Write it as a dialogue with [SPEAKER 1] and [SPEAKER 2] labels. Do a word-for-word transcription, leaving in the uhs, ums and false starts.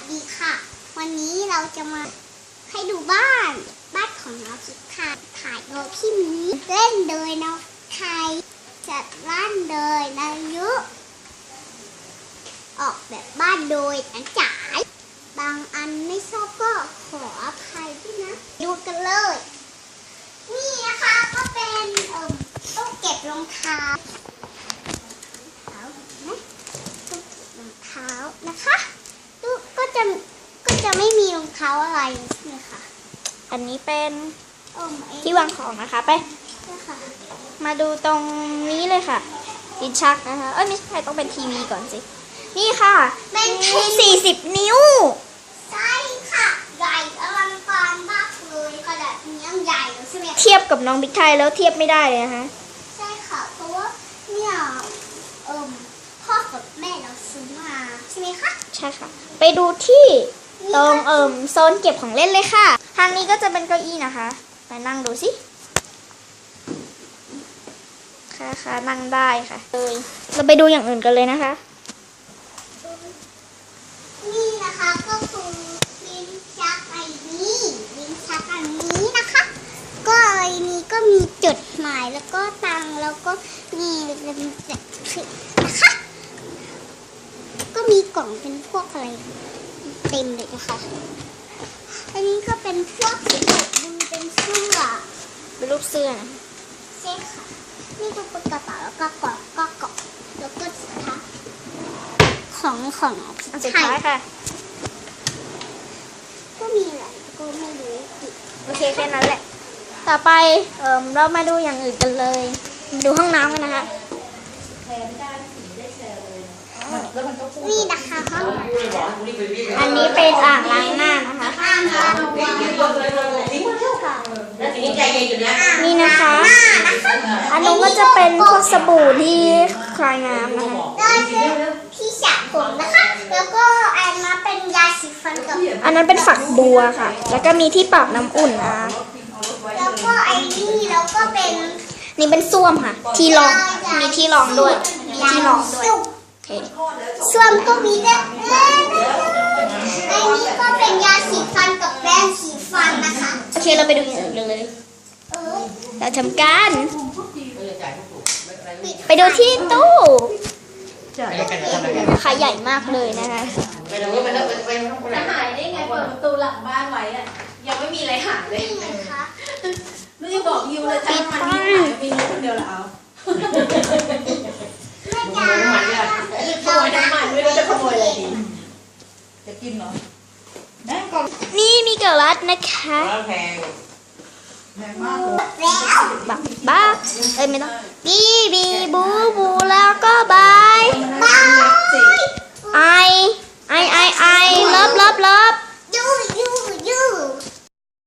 [SPEAKER 1] ดีค่ะวันนี้เราจะมาให้ดูบ้านบ้านของน้องคิดค่ะถ่ายโดยพี่หมีเล่นโดยน้องไทยจัดบ้านโดยนายุออกแบบบ้านโดยนันจ๋ายบางอันไม่ชอบก็ขออภัยด้วยนะดูกันเลยนี่นะคะก็เป็นเอ่อตู้เก็บรองเท้าตู้เก็บรองเท้านะคะตู้ก็จะก็จะไม่มีรองเท้าอะไรนี่ค่ะ
[SPEAKER 2] อันนี้เป็น
[SPEAKER 1] เอ่อ
[SPEAKER 2] ที่วางของนะคะไป
[SPEAKER 1] นี่ค่ะ
[SPEAKER 2] มาดูตรงนี้เลยค่ะลิ้นชักนะคะเอ้ยไม่ใช่ต้องเป็นทีวีก่อนสินี่ค่ะเป็นสี่สิบนิ้ว
[SPEAKER 1] ใช่ค่ะใหญ่อลังการมากเลยขนาดนี้ยังใหญ่เลยใช่ไหม
[SPEAKER 2] เทียบกับน้องบิ๊กไทยแล้วเทียบไม่ได้เลยนะคะ
[SPEAKER 1] ใช่ค่ะเพราะว่าเนี่ยเอ่อพ่อกับแม่เราซื้อมาใช่ไหมคะ
[SPEAKER 2] ใช่ค่ะไปดูที่ตรงเอ่มโซนเก็บของเล่นเลยค่ะทางนี้ก็จะเป็นเก้าอี้นะคะไปนั่งดูสิค่ะค่ะนั่งได้ค่ะเลยเราไปดูอย่างอื่นกันเลยนะคะ
[SPEAKER 1] นี่นะคะก็คือลิ้นชักไอ้นี้ลิ้นชักอันนี้นะคะก็ไอ้นี้ก็มีจดหมายแล้วก็ตังแล้วก็นี่เป็นนะคะก็มีกล่องเป็นพวกอะไรเต็มเลยนะคะอันนี้ก็เป็นพวกสีดูเป็นเสื้อ
[SPEAKER 2] เป็นรูปเสื้อนะ
[SPEAKER 1] ใช่ค่ะนี่ก็เป็นกระเป๋าแล้วก็กล่องก็กล่องแล้วก็สุดท้ายของของ
[SPEAKER 2] อันสุดท้ายค่ะ
[SPEAKER 1] ก็มีอะไรก็ไม่รู้อีก
[SPEAKER 2] โอเคแค่นั้นแหละต่อไปเอ่อเรามาดูอย่างอื่นกันเลยมาดูห้องน้ำกันนะคะ
[SPEAKER 1] นี่นะคะห้อง
[SPEAKER 2] อันนี้เป็นอ่างล้างหน้านะคะ
[SPEAKER 1] อ่างล้างหน้า
[SPEAKER 2] นี่นะคะอันนู้นก็จะเป็นพวกสบู่ที่คลายน้ำนะคะ
[SPEAKER 1] ได้ที่สระผมนะคะแล้วก็อันมาเป็นยาสีฟันกับ
[SPEAKER 2] อันนั้นเป็นฝักบัวค่ะแล้วก็มีที่ปรับน้ำอุ่นนะ
[SPEAKER 1] แล้วก็ไอ้นี่แล้วก็เป็น
[SPEAKER 2] นี่เป็นส้วมค่ะที่รองมีที่รองด้วยมีที่รองด้วยโอเค
[SPEAKER 1] ส้วมก็มีด้วยไอ้นี่ก็เป็นยาสีฟันกับแปรงสีฟันนะคะ
[SPEAKER 2] โอเคเราไปดูอย่างอื่นกันเลยเราทำการไปดูที่ตู้ขายใหญ่มากเลยนะคะ
[SPEAKER 3] จะหายได้ไงเปิดประตูหลังบ้านไว้อะยังไม่มีอะไรหายเลยไม่ได้บอกยูเลยจ้ามันมีหายมีนู้คนเดียวแล้ว
[SPEAKER 1] ขโมยน้ำมันเนี่ย
[SPEAKER 3] ขโมยน้ำมันไม่รู้จะขโมยอะไรดีจะกินเหรอ
[SPEAKER 2] นี่มีเกลัดนะคะ
[SPEAKER 3] แพงแพงมากเลย
[SPEAKER 2] บักบักเอ้ยไม่ต้องบีบีบูบูแล้วก็บาย
[SPEAKER 1] บาย
[SPEAKER 2] I